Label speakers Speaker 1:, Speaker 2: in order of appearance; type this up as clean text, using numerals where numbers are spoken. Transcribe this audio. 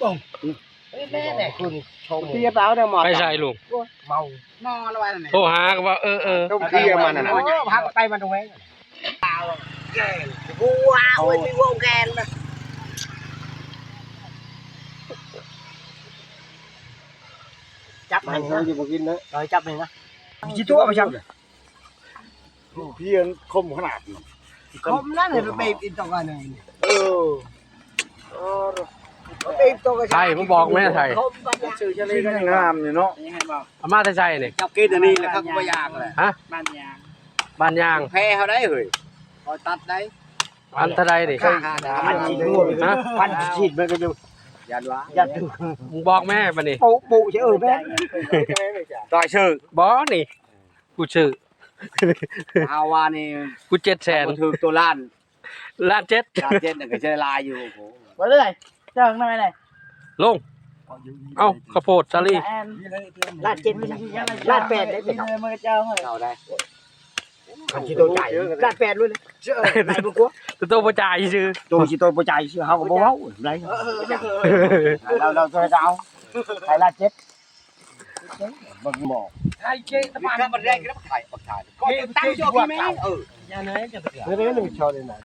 Speaker 1: bôngแม่คุณชม
Speaker 2: เทียบแล้วเนี่ยหมอ
Speaker 3: ไปใส่ลุง
Speaker 1: เมานอนอะไรนั่น
Speaker 3: โทรหาก็ว่า
Speaker 2: ต้องเทียบมันน่ะ
Speaker 1: พักไปมันตรงนี้วัวโอ้ยมีวัวแกนนะจับ
Speaker 2: มั
Speaker 1: มัน น
Speaker 2: เขา
Speaker 1: นะ
Speaker 2: จะมากินนะ
Speaker 1: rồiจับมันนะกี่ตัวไปจับ
Speaker 2: เพียนคมขนาด
Speaker 1: không đó thì bị in tông này
Speaker 2: เออ
Speaker 1: bị tông cái
Speaker 3: ไทยผมบอกแม่ไทย
Speaker 1: không bao giờ
Speaker 2: ชื่อชะลีก็งามอยู่เนาะ
Speaker 3: อามาแต่ใส่นี่
Speaker 2: เจ้ากินอันนี้แหละครับก็ยากเลย
Speaker 3: ฮะ
Speaker 1: ban nhà
Speaker 3: บ้านยาง
Speaker 2: แพ้เขาได้เฮ้ยคอยตัดได้
Speaker 3: อันเท่าใดนี่
Speaker 2: พันฉีดด้วยพันฉีดมันก็อยู่ยันวะยันดู
Speaker 3: มึงบอกแม่ปะนี่
Speaker 1: bộ bộ chứ ở bên
Speaker 2: ต่อยชื่อ
Speaker 3: บ่นี่กูชื่อ
Speaker 2: ฮาวานี่
Speaker 3: กู700,000
Speaker 2: ถือตัวล้าน
Speaker 3: ล้านเจ็ด
Speaker 2: ล้านเจ็ดน่ะก็ใช้ลายอยู่โอ้โห
Speaker 1: vào đây chờ này này
Speaker 3: ลงเอ้าข้าวโพดสาลี
Speaker 1: lát trên lát bẹt đấy phải mà chờ rồi
Speaker 2: เอาได้
Speaker 1: anh chỉ tôi chạy lát bẹt luôn đấy chứ ở này một quốc
Speaker 3: ตัวโตบ่จ่ายซื่อ
Speaker 2: tôi chỉ tôi bố chạy chứ không có bố máu đấy đâu đâu tôi sao phải là chết bằng mỏ
Speaker 1: hai chơi tao
Speaker 2: cái bật đây cái nó phải bật thải có tăng cho cái mấy
Speaker 1: nhà này cho tôi
Speaker 2: thế đấy mình cho đây này